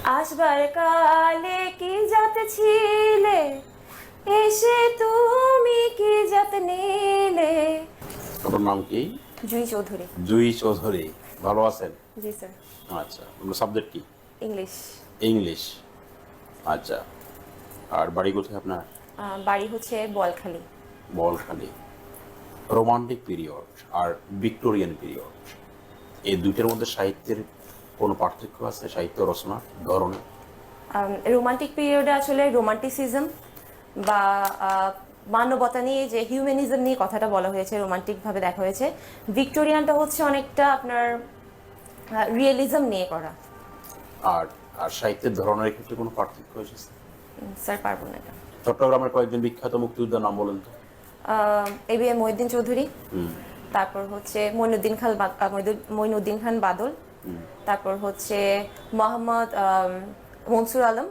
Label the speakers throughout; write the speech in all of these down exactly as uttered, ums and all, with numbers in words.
Speaker 1: আসবার কালে কি জাত ছিলে, এসে তুমি কি জাত নিলে।
Speaker 2: আপনার নাম কি?
Speaker 1: জুই চৌধুরী।
Speaker 2: জুই চৌধুরী, ভালো আছেন?
Speaker 1: জি স্যার।
Speaker 2: আচ্ছা, আপনার সাবজেক্ট কি?
Speaker 1: ইংলিশ।
Speaker 2: ইংলিশ। আচ্ছা, আর বাড়ি কোথায় আপনার?
Speaker 1: আহ, বাড়ি হচ্ছে বলখালি।
Speaker 2: বলখালি। রোমান্টিক পিরিয়ড আর ভিক্টোরিয়ান পিরিয়ড, এই দুইটার মধ্যে সাহিত্যের কোনো পার্থক্য আছে? সাহিত্য রচনার ধরনে?
Speaker 1: রোমান্টিক পিরিয়ডে আসলে রোমান্টিসিজম বা আহ, মানবতা নিয়ে, যে হিউম্যানিজম নিয়ে কথাটা বলা হয়েছে, রোমান্টিকভাবে দেখা হয়েছে। ভিক্টোরিয়ানটা হচ্ছে অনেকটা আপনার রিয়েলিজম নিয়ে করা।
Speaker 2: আর আর সাহিত্যের ধরনের ক্ষেত্রে কোনো পার্থক্য এসেছে?
Speaker 1: উম, স্যার পারবো না এটা।
Speaker 2: চট্টগ্রামের কয়েকজন বিখ্যাত মুক্তিযোদ্ধার নাম বলেন তো।
Speaker 1: A B M Mohiuddin Chowdhury,
Speaker 2: হুম
Speaker 1: তারপর হচ্ছে মইনুদ্দিন খান বা- আহ, মইদুল- মইনুদ্দিন খান বাদল, তারপর হচ্ছে মোহাম্মদ আম, মনসুর আলম।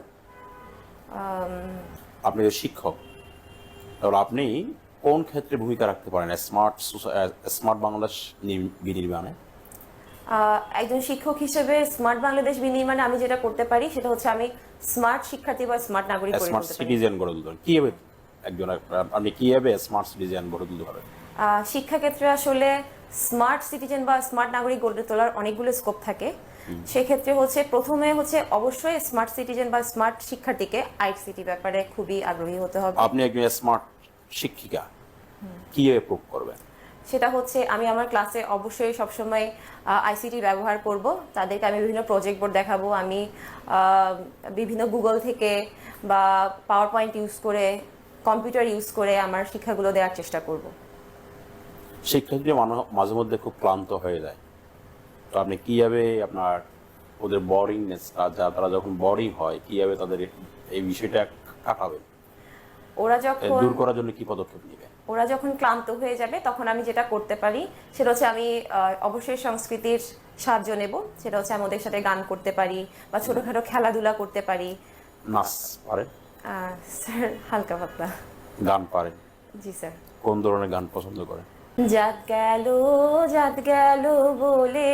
Speaker 1: আম,
Speaker 2: আপনি যে শিক্ষক, তাহলে আপনি কোন ক্ষেত্রে ভূমিকা রাখতে পারেন স্মার্ট স্মার্ট বাংলাদেশ নির- বিনির্মাণে?
Speaker 1: আহ, একজন শিক্ষক হিসেবে স্মার্ট বাংলাদেশ বিনির্মাণে আমি যেটা করতে পারি সেটা হচ্ছে আমি স্মার্ট শিক্ষার্থী বা স্মার্ট নাগরিক গড়ে
Speaker 2: স্মার্ট
Speaker 1: তুলতে পারি।
Speaker 2: সিটিজেন গড়ে তুলতে পারেন কিভাবে? একজন আপনি কিভাবে স্মার্ট সিটিজেন গড়ে তুলতে পারেন?
Speaker 1: আহ, শিক্ষাক্ষেত্রে আসলে স্মার্ট সিটিজেন বা স্মার্ট নাগরিক গড়ে তোলার অনেকগুলো স্কোপ থাকে। সেক্ষেত্রে হচ্ছে প্রথমে হচ্ছে অবশ্যই স্মার্ট সিটিজেন বা স্মার্ট শিক্ষার্থীকে আইসিটি ব্যাপারে খুবই আগ্রহী হতে হবে।
Speaker 2: আপনি একজন স্মার্ট শিক্ষিকা, কিভাবে প্রুভ করবেন?
Speaker 1: সেটা হচ্ছে আমি আমার ক্লাসে অবশ্যই সবসময় আইসিটি ব্যবহার করব। তাদেরকে আমি বিভিন্ন প্রজেক্ট বোর্ড দেখাবো, আমি আহ, বিভিন্ন গুগল থেকে বা পাওয়ার পয়েন্ট ইউজ করে, কম্পিউটার ইউজ করে আমার শিক্ষাগুলো দেওয়ার চেষ্টা করব।
Speaker 2: শিক্ষার্থীরা মানো- মাঝে মধ্যে খুব ক্লান্ত হয়ে যায়, তো আপনি কিভাবে আপনার ওদের বোরিংনেসটা, যা তারা যখন বোরিং হয়, কিভাবে তাদের এই বিষয়টা কাটাবেন?
Speaker 1: ওরা
Speaker 2: এ
Speaker 1: যখন
Speaker 2: দূর করার জন্য কি পদক্ষেপ নেবেন?
Speaker 1: ওরা যখন ক্লান্ত হয়ে যাবে তখন আমি যেটা করতে পারি সেটা হচ্ছে আমি আহ, অবশ্যই সংস্কৃতির সাহায্য নেব। সেটা হচ্ছে আমি ওদের সাথে গান করতে পারি বা ছোটখাটো খেলাধুলা করতে পারি।
Speaker 2: নাচ পারেন?
Speaker 1: আহ, স্যার হালকা পাতলা।
Speaker 2: গান পারেন?
Speaker 1: জি স্যার।
Speaker 2: কোন ধরনের গান পছন্দ করেন?
Speaker 1: জাত গেল জাত গেল বলে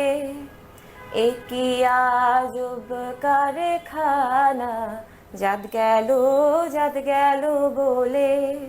Speaker 1: একই আজব কারখানা, জাত গেল জাত গেল বলে।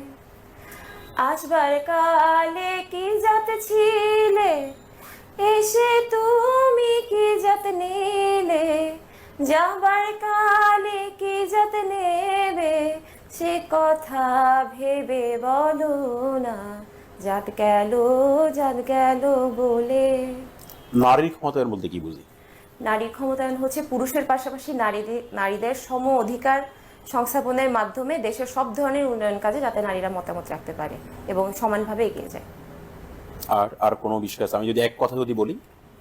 Speaker 1: আসবার কালে কি জাত ছিলে, এসে তুমি কি জাত নিলে। যাবার কালে কি জাত নেবে, সে কথা ভেবে বলো না, জাত গেল জাত গেল বলে।
Speaker 2: নারীর ক্ষমতার মধ্যে কি বুঝি?
Speaker 1: নারীর ক্ষমতায়ন হচ্ছে পুরুষের পাশাপাশি নারীদের নারীদের সম অধিকার সংস্থাপনের মাধ্যমে দেশের সব ধরনের উন্নয়ন কাজে যাতে নারীরা মতামত রাখতে পারে এবং সমানভাবে এগিয়ে যায়।
Speaker 2: আর আর কোনো বিষয় আছে? আমি যদি এক কথা যদি বলি,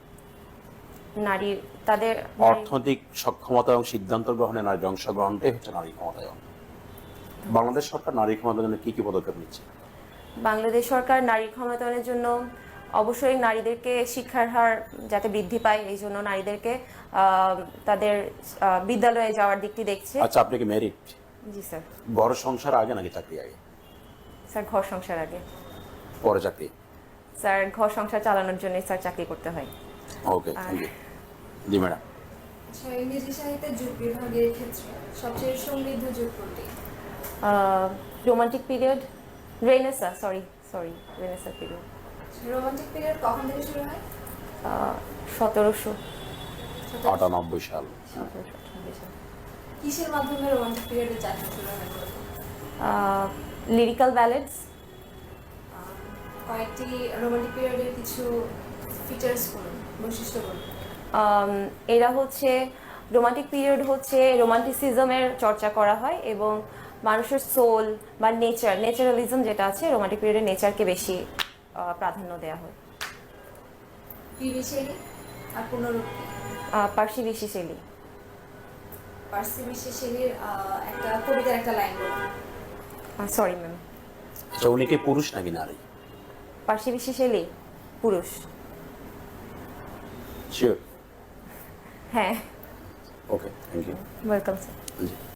Speaker 1: নারী তাদের
Speaker 2: অর্থনৈতিক সক্ষমতা এবং সিদ্ধান্ত গ্রহণে নারীর অংশগ্রহণটাই হচ্ছে নারী ক্ষমতায়ন। বাংলাদেশ সরকার নারী ক্ষমতায়নের জন্য কি কি পদক্ষেপ নিচ্ছে?
Speaker 1: বাংলাদেশ সরকার নারী ক্ষমতায়নের জন্য অবশ্যই নারীদেরকে শিক্ষার হার যাতে বৃদ্ধি পায় এই জন্য নারীদেরকে আহ, তাদের আহ, বিদ্যালয়ে যাওয়ার দিকটি দেখছে।
Speaker 2: আচ্ছা, আপনি কি ম্যারিড?
Speaker 1: জি স্যার।
Speaker 2: ঘর সংসার আগে নাকি চাকরি আগে?
Speaker 1: স্যার ঘর সংসার আগে।
Speaker 2: পরে চাকরি?
Speaker 1: স্যার ঘর সংসার চালানোর জন্য স্যার চাকরি করতে হয়।
Speaker 2: Okay, thank you. জি ম্যাডাম।
Speaker 3: আচ্ছা, ইংরেজি সাহিত্যের যুগ বিভাগের ক্ষেত্রে সবচেয়ে সমৃদ্ধ যুগ কোনটি?
Speaker 1: Romantic period, renaissance, sorry sorry renaissance period.
Speaker 3: Romantic period কখন থেকে শুরু হয়?
Speaker 1: সতেরোশো
Speaker 2: আটানব্বই সাল।
Speaker 1: সতেরোশো আটানব্বই সাল।
Speaker 3: কিসের মাধ্যমে রোমান্টিক পিরিয়ডের যাত্রা শুরু হয় বলুন?
Speaker 1: Lyrical ballads.
Speaker 3: কয়েকটি রোমান্টিক পিরিয়ডের কিছু ফিচার্স বলুন, বৈশিষ্ট্য বলুন।
Speaker 1: এরা হচ্ছে রোমান্টিক পিরিয়ড হচ্ছে রোমান্টিসিজমের চর্চা করা হয় এবং মানুষের সোল বা নেচার, নেচারালিজম যেটা আছে রোমান্টিক পিরিয়ডে নেচারকে বেশি আহ, প্রাধান্য দেওয়া হয়।
Speaker 3: পিবি শেলি আর পুনরুক্তি।
Speaker 1: আহ, পার্সি বিশি শৈলী।
Speaker 3: পার্সি বিশি শেলির আহ, একটা কবিতার একটা লাইন বলুন।
Speaker 1: Sorry ma'am.
Speaker 2: আচ্ছা, উনি কি পুরুষ নাকি নারী?
Speaker 1: পার্সি বিশি শৈলী পুরুষ।
Speaker 2: শিওর?
Speaker 1: হ্যাঁ।
Speaker 2: Okay, thank you.
Speaker 1: Welcome sir.
Speaker 2: G.